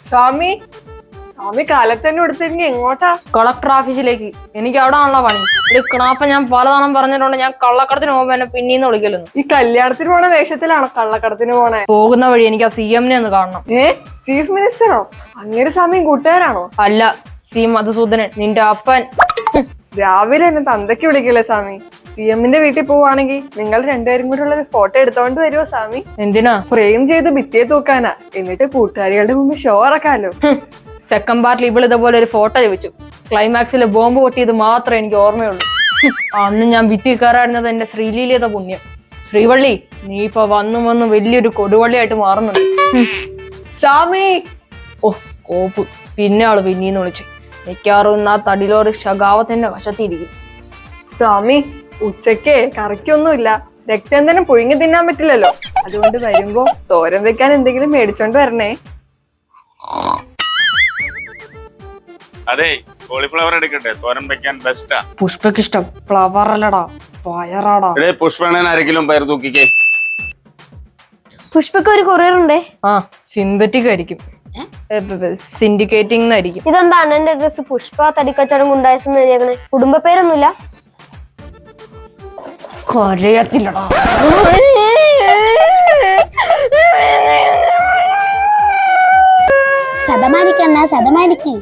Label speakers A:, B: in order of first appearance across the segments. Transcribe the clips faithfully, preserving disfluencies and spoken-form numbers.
A: സ്വാമി സ്വാമി കാലത്ത് തന്നെ എടുത്തിരിഞ്ഞ് എങ്ങോട്ടാ?
B: കളക്ടർ ഓഫീസിലേക്ക്. എനിക്ക് അവിടെ ആണല്ലോ പണി. ഒരു കിണാപ്പ ഞാൻ പലതവണ പറഞ്ഞിട്ടുണ്ട് ഞാൻ കള്ളക്കടത്തിന് പോകുമ്പോ എന്നെ പിന്നീന്ന് വിളിക്കലെന്ന്.
A: ഈ കല്യാണത്തിന് പോണ വേഷത്തിലാണോ കള്ളക്കടത്തിന് പോണേ?
B: പോകുന്ന വഴി എനിക്ക് ആ സി എമ്മിനെ ഒന്ന് കാണണം.
A: ഏ ചീഫ് മിനിസ്റ്ററോ? അങ്ങനെ സ്വാമി കൂട്ടുകാരാണോ?
B: അല്ല, സി മധുസൂദനൻ, നിന്റെ അപ്പൻ.
A: രാവിലെ എന്നെ തന്തയ്ക്ക് വിളിക്കല്ലേ സ്വാമി? സി എമ്മിന്റെ വീട്ടിൽ പോവാണെങ്കിൽ നിങ്ങൾ രണ്ടുപേരും കൂടെ ഉള്ള ഫോട്ടോ എടുത്തോണ്ട് വരുമോ സ്വാമി?
B: എന്തിനാ?
A: ഫ്രെയിം ചെയ്ത് ഭിത്തിയെ തൂക്കാനാ. എന്നിട്ട് കൂട്ടുകാരികളുടെ മുമ്പിൽ ഷോ ഇറക്കാലോ.
B: സെക്കൻഡ് പാർട്ടിൽ ഇവൾ ഇതേപോലെ ഒരു ഫോട്ടോ ചോദിച്ചു. ക്ലൈമാക്സിൽ ബോംബ് പൊട്ടിയത് മാത്രമേ എനിക്ക് ഓർമ്മയുള്ളൂ. അന്ന് ഞാൻ ഭിത്തി കയറാടുന്നത് എന്റെ ശ്രീലീലത പുണ്യം. ശ്രീവള്ളി, നീ ഇപ്പൊ വന്നു വന്ന് വലിയൊരു കൊടുവള്ളിയായിട്ട് മാറുന്നുണ്ട്.
A: സ്വാമി
B: ഓ കോപ്പ്, പിന്നെ ആള് പിന്നീന്ന് വിളിച്ചു. മിക്കാറും ആ തടിലോറ് ശകാവത്തിന്റെ വശത്തിരിക്കും.
A: സ്വാമി ഉച്ചക്ക് കറിക്കൊന്നുമില്ല, രക്തം തന്നെ പുഴുങ്ങി തിന്നാൻ പറ്റില്ലല്ലോ. അതുകൊണ്ട് വരുമ്പോ തോരൻ വെക്കാൻ എന്തെങ്കിലും മേടിച്ചോണ്ട് വരണേ.
C: അതെ, കോളിഫ്ലവർ എടുക്കട്ടെ, തോരൻ വെക്കാൻ ബെസ്റ്റാ.
B: പുഷ്പക്ക് ഇഷ്ടം ഫ്ലവർ അല്ലടാ, പയറാടാ.
C: പുഷ്പണൻ ആരെങ്കിലും പയർ തൂക്കിക്കേ.
D: പുഷ്പക്ക് ഒരു കൊറിയർ ഉണ്ടേ.
B: ആ, സിന്തറ്റിക് ആയിരിക്കും, സിൻഡിക്കേറ്റിംഗ് ആയിരിക്കും.
D: ഇതെന്താ അണ്ണന്റെ ഡ്രസ് പുഷ്പ തടിക്കച്ചവടം ഉണ്ടായെന്ന് എഴുതിയേക്കണേ? കുടുംബ പേരൊന്നുമില്ല.
B: കൊരയത്തില്ലടാ.
E: ശതമാനിക്കണ്ണ ശതമാനിക്ക്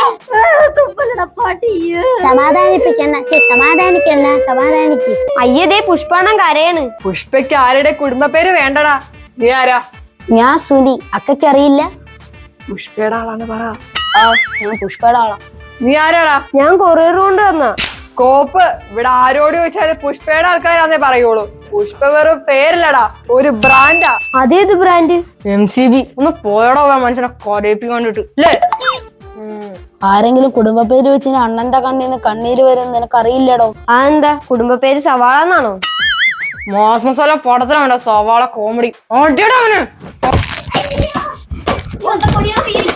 E: സമാധാനിപ്പിക്കണ്ണ സമാധാനിക്കണ്ണ സമാധാനിക്ക്.
D: അയ്യതേ പുഷ്പാണം കരയാണ്.
A: പുഷ്പയ്ക്ക് ആരുടെ കുടുംബ പേര് വേണ്ടടാ. നീ ആരാ?
E: ഞാൻ സുനി, അക്കയ്ക്ക് അറിയില്ല.
A: പുഷ്പയുടെ ആളാണ് പറ.
E: ആ, ഞാൻ പുഷ്പയുടെ ആളാ.
A: നീ ആരാടാ?
D: ഞാൻ കൊറിയർ കൊണ്ട് വന്ന
A: കോപ്പ്. ഇവിടെ ആരോട് ചോദിച്ചാല് പുഷ്പയുടെ ആൾക്കാരാന്നേ പറയുള്ളൂ. പുഷ്പ വെറും പേരല്ലടാ, ഒരു ബ്രാൻഡാ.
D: അതേത് ബ്രാൻഡ്?
B: M C B. ഒന്ന് പോയടോ മനുഷ്യനെ കൊരയിപ്പിക്കൊണ്ടിട്ട് അല്ലേ?
E: ആരെങ്കിലും കുടുംബ പേര് വെച്ച് അണ്ണന്റെ കണ്ണീന്ന് കണ്ണീര് വരും നിനക്കറിയില്ലടോ.
D: അതെന്താ കുടുംബ പേര് സവാള എന്നാണോ?
B: മാസ് മസാല പടത്തിലാണ് സവാള കോമഡി.